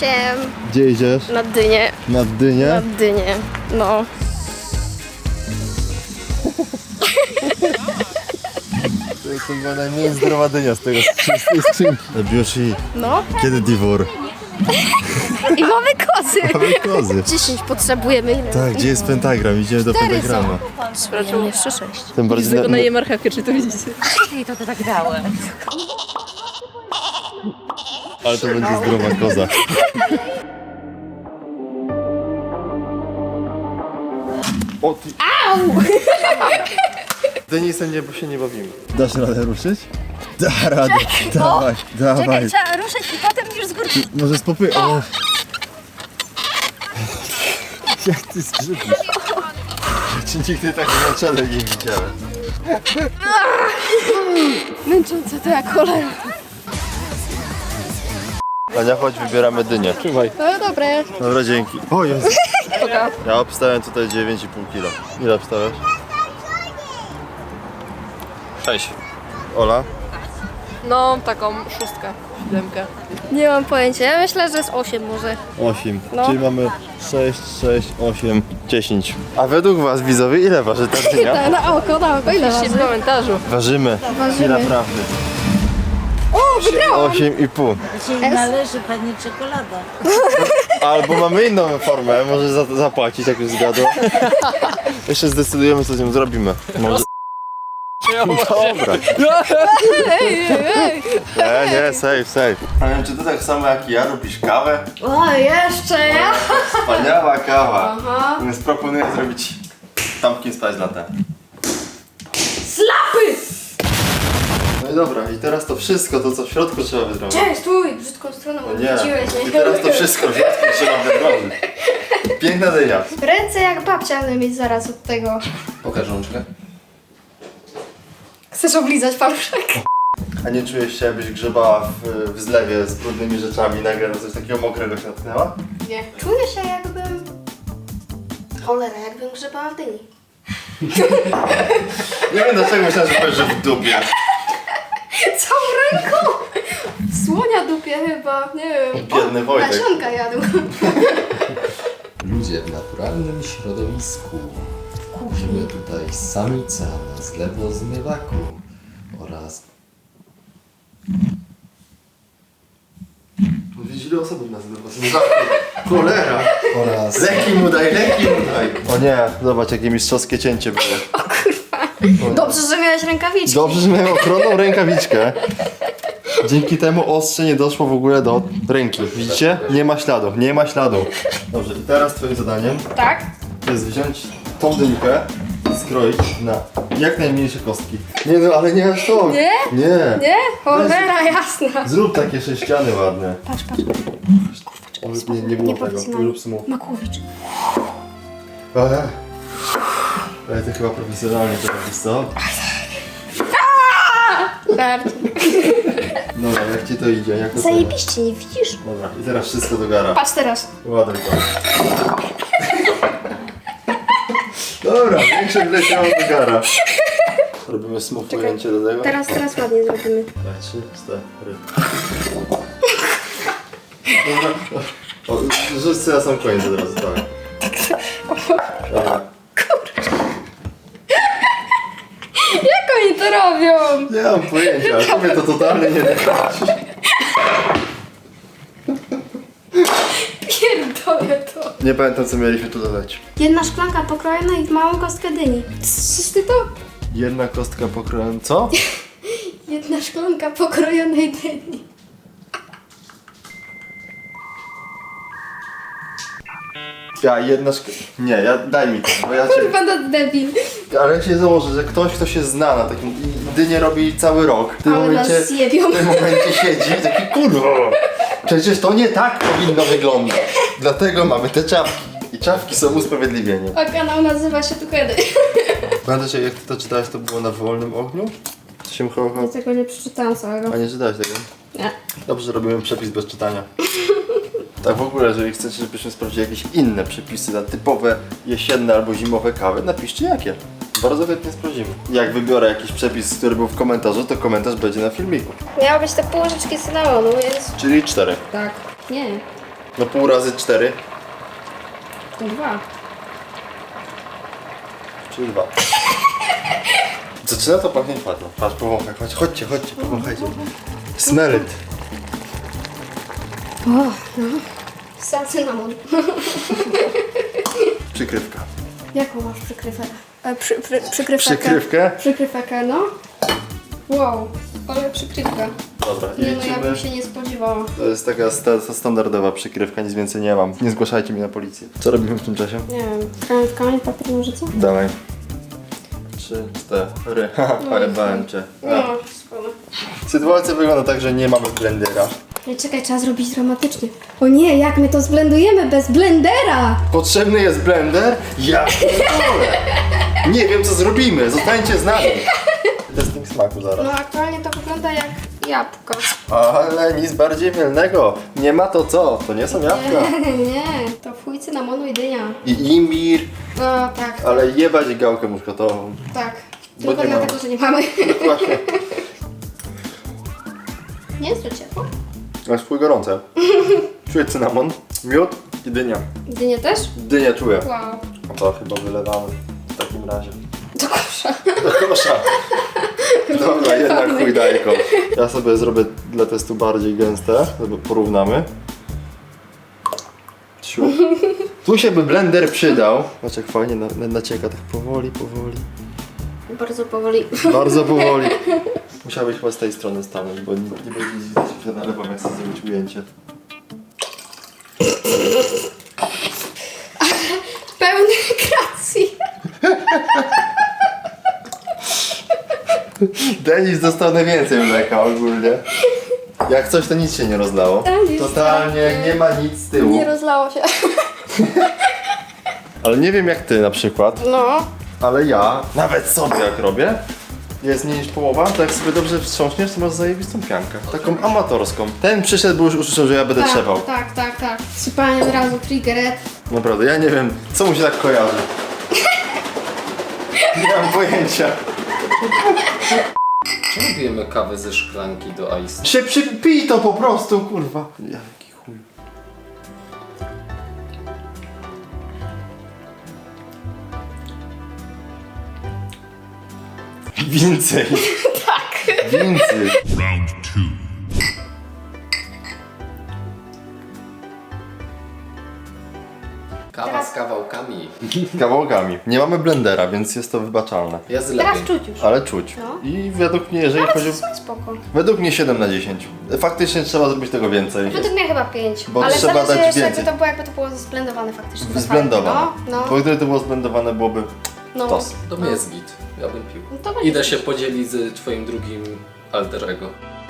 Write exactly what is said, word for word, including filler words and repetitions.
się Gdzie idziesz? na dynię. Na dynię? Na dynię, no. To jest chyba najmniej zdrowa dynia z tego z tej skrzynki. Bioshi, No. kiedy Divor? I mamy kozy. Mamy kozy. dziesięć potrzebujemy. Ile? Tak, gdzie jest pentagram? Idziemy do pentagrama. Sprawdzam jeszcze sześć. Tym bardziej na, na marchewkę, czy to widzicie? I to ty tak dałem. ale to będzie zdrowa koza. O ty... Au! Denisem nie, bo się nie bawimy. Dasz radę ruszyć? Da radę, dawaj, dawaj. Czekaj, trzeba ruszyć i potem już z górki. Może spopy... O! Jak ty skrzypisz? Czy nigdy tak na czele nie widziałem? Męczące to jak cholera. Ania, chodź, wybieramy dynię. Trzymaj. No dobre. Dobra, dzięki. O Jezu. Ja obstałem tutaj dziewięć i pół kilo. Ile obstawiasz? Sześć. Ola? No, taką szóstkę, siódemkę. Nie mam pojęcia, ja myślę, że jest osiem może. osiem. No. Czyli mamy sześć, sześć, osiem, dziesięć. A według was, widzowie, ile waży ta dynia? Na, na oko, na oko, ile Piszcie w waży? komentarzu. Ważymy. Ważymy. Ile prawdy? O, wygrałam! osiem i pół. Dzisiaj należy pani czekolada. Albo mamy inną formę, może za to zapłacić, jak już zgadła. Jeszcze zdecydujemy, co z nią zrobimy. Może... Dobra. Ej, ej. Nie, nie, safe, safe. A wiem, czy ty tak samo jak i ja lubisz kawę? O, jeszcze ja? Wspaniała kawa. Aha. Więc proponuję zrobić pumpkin spice latte. Slapy! No i dobra, i teraz to wszystko, to co w środku trzeba wydrobić. Cześć, stój, brzydką stroną No nie, odwróciłeś. i teraz to wszystko w środku trzeba wydrobić. Piękna dynia. Ręce jak babcia będę mieć zaraz od tego. Pokaż rączkę. Chcesz oblizać paluszek? A nie czujesz się, jakbyś grzebała w, w zlewie z brudnymi rzeczami i nagle na coś takiego mokrego się natknęła? Nie. Czuję się jakbym... Cholera, jakbym grzebała w dyni. Nie wiem dlaczego myślałem, że powiesz, że w dupie. Całą ręką! Słonia dupie chyba, nie wiem. Biedny Wojtek. Nasionka jadł. Ludzie w naturalnym środowisku. Widzimy tutaj samica na zlewozmywaku oraz... Widzisz, ile osób nas zlewa? Cholera! oraz Leki mu daj, leki mu daj! O nie, zobacz jakie mistrzowskie cięcie było. Dobrze, że miałeś rękawiczki. Dobrze, że miałem ochronną rękawiczkę. Dzięki temu ostrze nie doszło w ogóle do ręki. Widzicie? Nie ma śladu, nie ma śladu. Dobrze, i teraz twoim zadaniem Tak? to jest wziąć tą dynkę, skroić na jak najmniejsze kostki. Nie no, ale nie aż to. Nie? Nie. Nie? Cholera jasna. Zrób takie sześciany ładne. Patrz, patrz. O, nie, nie było tego. Nieprofesjonalnie. Rób smu. Makłowicz. Eee. Ale to chyba profesjonalnie to robisz, co? Żart. Dobra, jak ci to idzie? Jak to Zajebiście, nie widzisz? Dobra, i teraz wszystko do gara. Patrz teraz. Ładuj to. Dobra, większe wleciało do gara. Robimy smooth ujęcie do tego. Teraz, teraz ładnie zrobimy. Dwa, trzy, cztery. Dobra. O, rzuć sobie na sam koniec od razu, tak. Dobra. Jak oni to robią? Nie mam pojęcia, ale tobie to totalnie nie wychodzi. Pierdolę to. Nie pamiętam, co mieliśmy tu dodać. Jedna szklanka pokrojona i w małą kostkę dyni. Czyż ty to? Jedna kostka pokrojona. Co? Jedna szklanka pokrojonej dyni. Ja jedna szk... Nie, ja, daj mi to, bo ja cię... Kurwa, no debil. Ale ja się założę, że ktoś, kto się zna na takim... i dynię robi cały rok. W tym Ale nas momencie... zjebią. W tym momencie siedzi i taki kurwa. Przecież to nie tak powinno wyglądać. Dlatego mamy te czapki. I czapki są usprawiedliwieniem. A kanał nazywa się Tukedy. Pamiętasz, jak ty to czytałeś, to było na wolnym ogniu? To się mchował. Tego nie przeczytałam całego. A nie czytałeś tego? Nie. Dobrze, że robimy przepis bez czytania. Tak w ogóle, jeżeli chcecie, żebyśmy sprawdzili jakieś inne przepisy na typowe jesienne albo zimowe kawy, napiszcie jakie. Bardzo chętnie sprawdzimy. Jak wybiorę jakiś przepis, który był w komentarzu, to komentarz będzie na filmiku. Miały być te pół łyżeczki cynamonu, jest... Czyli cztery. Tak. Nie. No pół razy cztery, To dwa. czyli dwa. Zaczyna to pachnieć ładnie. Patrz, powąchaj, chodź, chodźcie, chodźcie, powąchajcie. Smell it. O, no. Sam cynamon. Przykrywka. Jaką masz przykrywkę? E, przy, przy, przykrywkę. Przykrywkę? Przykrywkę, no. Wow, ale przykrywka. Dobra, i Nie no, ja lecimy. bym się nie spodziewała. To jest taka sta standardowa przykrywka, nic więcej nie mam. Nie zgłaszajcie mnie na policję. Co robimy w tym czasie? Nie wiem, kamień w kamień, papier, nożyce? Dawaj. Trzy, cztery. Haha, ale bałem cię. No, spoko. Sytuacja wygląda tak, że nie mamy blendera. Nie, czekaj, trzeba zrobić dramatycznie. O nie, jak my to zblendujemy bez blendera? Potrzebny jest blender? Ja pierdolę. Nie wiem co zrobimy, zostańcie z nami. Testing smaku zaraz. No aktualnie to wygląda jak jabłko. Ale nic bardziej mylnego. Nie ma to co, to nie są jabłka. Nie, nie, to fuj cynamonu i dynia. I imbir, No tak, ale jebać gałkę muszkatową. tak. Bo Tylko nie dlatego, mamy. że nie mamy. Właśnie. Nie jest to ciepło? Ale swój gorące. Czuję cynamon, miód i dynia. Dynię też? Dynię czuję. Wow. A to chyba wylewamy w takim razie. Do kosza. Do kosza. Dobra, jednak chuj dajko. Ja sobie zrobię dla testu bardziej gęste, żeby porównamy. Ciu. Tu się by blender przydał. Zobacz jak fajnie na, na, nacieka, tak powoli, powoli. Bardzo powoli. Bardzo powoli. Musiałbyś chyba z tej strony stanąć, bo nie, nie będzie widać, że nalewam, jak chcę zrobić ujęcie. Pełny kreacji. Denis dostał najwięcej mleka ogólnie. Jak coś, to nic się nie rozlało. Denis, Totalnie tak. nie ma nic z tyłu. Nie rozlało się. Ale nie wiem jak ty na przykład, No. ale ja, nawet sobie jak robię, jest mniej niż połowa, to jak sobie dobrze wstrząśniesz, to masz zajebistą piankę. Taką amatorską. Ten przyszedł, bo już usłyszał, że ja będę Tak, trzepał. tak, tak, tak. Sypanie od razu, triggeret. Naprawdę, ja nie wiem, co mu się tak kojarzy. Nie mam pojęcia. Czemu pijemy kawę ze szklanki do ice? Się przypij to po prostu, kurwa. Jaki chuj. Więcej. Tak. Więcej. Round two. Kawa z kawałkami. Kawałkami. Nie mamy blendera, więc jest to wybaczalne. Jest Teraz lepiej. czuć już. Ale czuć. No. I według mnie, jeżeli chodzi Ale o... spoko. Według mnie siedem na dziesięć. Faktycznie trzeba zrobić tego więcej. Według mnie chyba pięć. Bo Ale trzeba zależy dać jeszcze więcej. jakby to było, jakby to było zblendowane faktycznie. to Zblendowane. fajnie. No, Bo no. gdyby to było zblendowane, byłoby no. tos. To mnie jest git. Ja bym pił. No to będzie Idę się podzielić z twoim drugim alter ego.